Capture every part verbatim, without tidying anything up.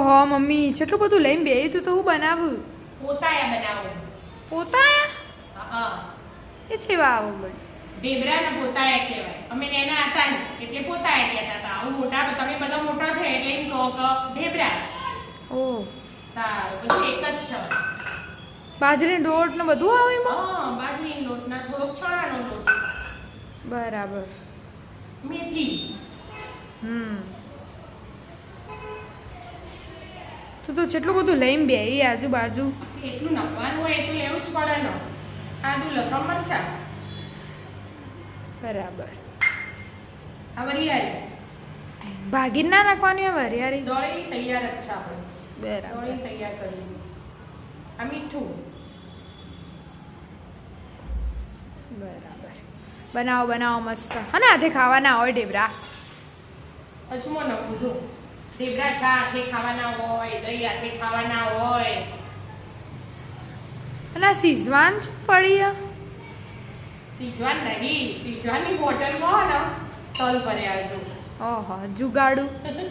ઓહો મમ્મી કેટલું બધું લઈને બેહી તું તો હું બનાવું પોતાયા બનાવો પોતાયા હા એ છે વાવ બળ ઢેબરા ને પોતાયા કહેવાય અમે નાના હતા ને એટલે પોતાયા કહેતા હતા હું મોટા તમે બધા મોટા છે એટલે એમ કહો કે ઢેબરા ઓ તાર બધું એક જ છે બાજરીનો રોટ ને બધું આવે એમાં હા બાજરીનો લોટ ના થોડોક ચણાનો લોટ બરાબર મેથી હમ તું તો કેટલું બધું લઈને બેહી આજુબાજુ એટલું નાખવાનું હોય એટલું લેવું જ પડે ને આદુ લસણ મરચા બરાબર આ વરિયાળી ભાગી ના નાખવાની હોય વરિયાળી દોળી તૈયાર જ છે આપણે બરાબર દોળી તૈયાર કરી આ મીઠું બરાબર બનાવો બનાવો મસ્ત હા ને હાથે ખાવાના હોય ઢેબરા અજમો નાખું જો ઢેબરા ચા હાથે ખાવાના હોય દહીં હાથે ખાવાના હોય અને આ સિઝવાન જ પડી આ? સીજવાન નહીં સીજવાની બોટલમાં ને તલ ભર્યા જો ઓહો જુગાડું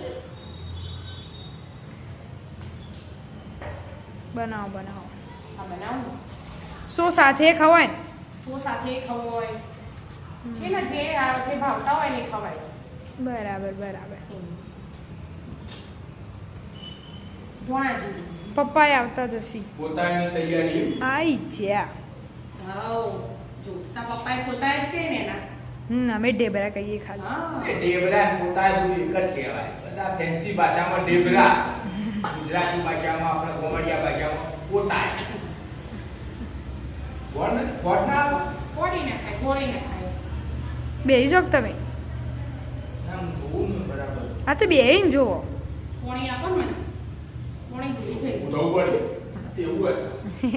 બનાવો બનાવો આ બનાવું સો સાથે ખવાય ને સો સાથે ખાવું હોય છે ને જે હાથે ભાવતા હોય ને એ ખવાય બરાબર બરાબર ધોણા જેવું પપ્પાએ આવતા જશી પોતાની તૈયારી આઈ જ્યા હાઉ જો તા પપ્પાએ પોતા જ કહે ને એના હમ અમે ઢેબરા કહીએ ખાલી હા એ ઢેબરા ને પોતા બધું એક જ કહેવાય બધા ફેન્સી ભાષામાં ઢેબરા ગુજરાતી ભાષામાં આપણે કોમડિયા ભાષામાં પોતા ગોળ ને ગોળ ના આવે? ફોડી ના ખાય ગોળી ના ખાય બેહી જાઓ તમે આમ જોવું ને બરાબર હા તો બેહીને જુઓ પોણી આપો ને મને પોણી ભૂલી જાય ઉધવું પડે એવું હતું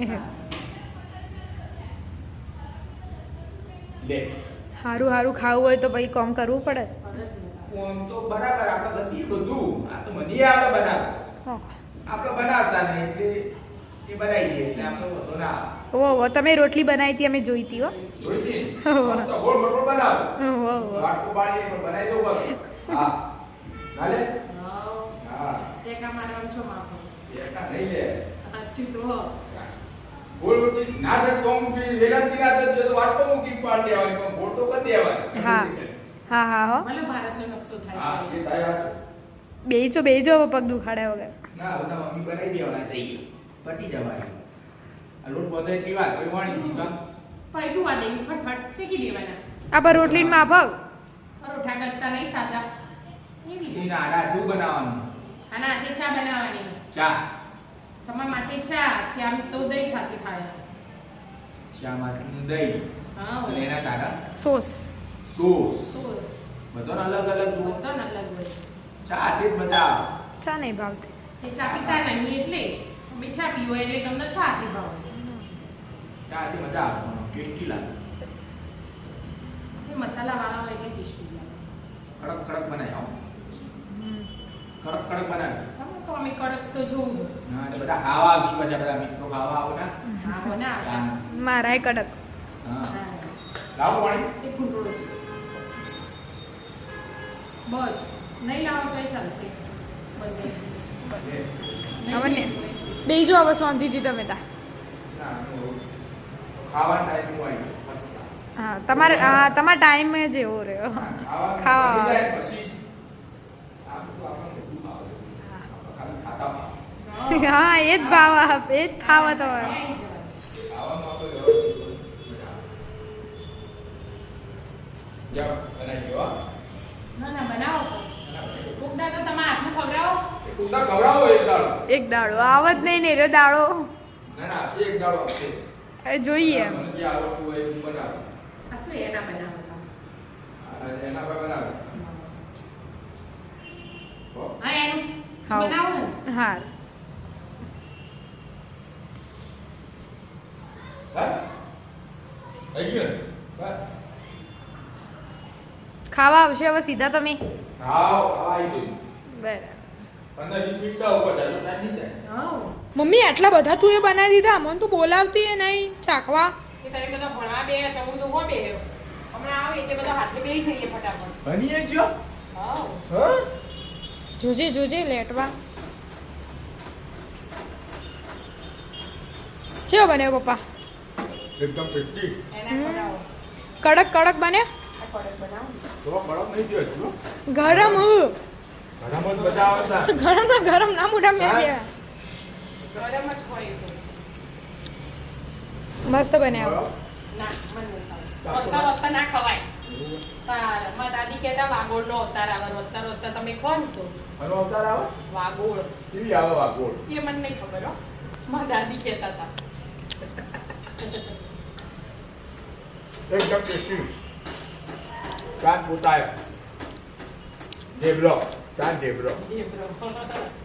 લે સારું સારું ખાવું હોય તો પછી કોમ કરવું પડે કોમ તો બરાબર આપણે ગતિ બધું આ તો મને આપણે બનાવ ઓહ. આપણે બનાવતા નહીં એટલે એ બનાવી દઈએ એટલે આપણે વધુ ના આવે ઓ ઓ તમે રોટલી બનાવી હતી અમે જોઈ હતી હો જોઈ દે આમ તો ગોળ ગોળ બનાવ ઓ, ઓ, ઓ. વાટ તો પાડીને પણ બનાવી દઉં બસ. હા હાલે હા હા ટેકા મારવાનું છો માફો એકા નહીં લે સાચું તો હો ગોળ રોટી ના થાય તો આમ બી વેલાંતી ના થાય તો વાટ તો મૂકી પાડ દેવાની પણ ગોળ તો કરી દેવાની હા હા હા હો ભલે ભારતનો નકશો હા થાય જે થાય આ બેહી જો બેહી જો પગ દુખાડ્યા વગર ના બધા મમ્મી બનાવી દેવાના થઈ પટી જવાય આ લોટ બધે એટલી વાત કોઈ વાણી દીધા પૈટું આ દઈ ફટફટ શેકી દેવાના આ પર રોટલી માફક પરોઠા કરતા નહીં સાદા એવી રીતે એના આડા શું બનાવવાનું આના હાથે ચા બનાવવાની ચા તમારા માટે ચા શ્યામ તો દહીં ખાતી ખાય ચા માટેનું દહીં હા અને એના તારા સોસ સોસ સોસ બધાને અલગ અલગ જુઓ બધો અલગ હોય ચા હાથે જ મજા આવે ચા નહીં ભાવતી એ ચા પીતા નહીં એટલે અમે ચા પીવો એટલે તમને ચા થી ભાવે ચા હાથે મજા આવે ટેસ્ટી લાગે એ મસાલા વાળા હોય એટલે ટેસ્ટી લાગે કડક કડક બનાવી આવો કડક કડક બનાવી તમે તો અમે કડક તો જોવું હા એટલે બધા ખાવા આવી પાછા બધા મિત્રો ખાવા આવો ને હા હો ના હા મારાય કડક હા હા. લાવો પાણી એક ગુંડળો છે બસ નહીં લાવો તો ચાલશે બંને હવે ને બેહી જો હવે શાંતિથી તમે તા ના તો ખાવા ટાઈમ હોય હા તમારે હા તમારો ટાઈમ જ એવો રહ્યો ખાવા ખાવા. પછી પછી આમ તો આપણને શું ભાવે આપણે ખાલી ખાતા ભાવે. હા એ જ ભાવ આપ એ જ ખાવ તો આવી જવાય. ખાવામાં આપણે વ્યવસ્થિત હોય, મજા આવે. જાઓ, બનાવી દો, હા. ના ના બનાવો તો બનાવી દો. કોક દાડો તમે હાથનું ખવડાવો એક ઉંદા ખવડાવો એક દાડો. એક દાડો આવત નહીં ને એરો દાડો ના ના આપશે એક દાડો આપશે. એ જોઈએ એમ મને જે આવડતું હોય એવું બનાવો. આ શું એના બનાવો તમે આ એના પર બનાવો. હો. હા એનું હાવ. બનાવો ને હા બસ? થઈ ગયું ને? બસ. ખાવા આવશે હવે સીધા તમે હાવ, ખાવા આવી ગયું. બરાબર પંદર વીસ મિનિટ તો ઉપર જાય, તો ટાઈમ નહીં જાય. હા મમ્મી આટલા બધા તું એ બનાવી દીધા અમને તું બોલાવતી એ નહીં ચાખવા કે તમે બધા ભણવા બે તો હું તો હો બે હમણાં આવે એટલે બધા હાથે બેસી જઈએ ફટાફટ બનીએ ગયો? હા હા? જોજે જોજે લેટવા ચેવો બન્યો પપ્પા એકદમ ટેસ્ટી. એના બનાવો કડક કડક બન્યો આ કડક બનાવો તો કડક નહીં જોઈએ છે, હો. ગરમ હ ઘણા મત બતાવો તા. ગરમ ના ગરમ ના મોઢા મેં હા. દેવા ગરમ જ હોય એ તો મસ્ત બન્યા ના મને નથી ભાવતું. વત્તા વત્તા ના ખવાય તાર મારા દાદી કહેતા વાગોળનો અવતાર આવે વત્તા વત્તા તમે ખો ને તો આનો અવતાર આવે? વાગોળ કેવી આવે વાગોળ? એ મને નહીં ખબર હો મારા દાદી કહેતા હતા એકદમ ટેસ્ટી. ચાંદ પોતાય. ઢેબરો. ચાંદ ઢેબરો. એ બ્રો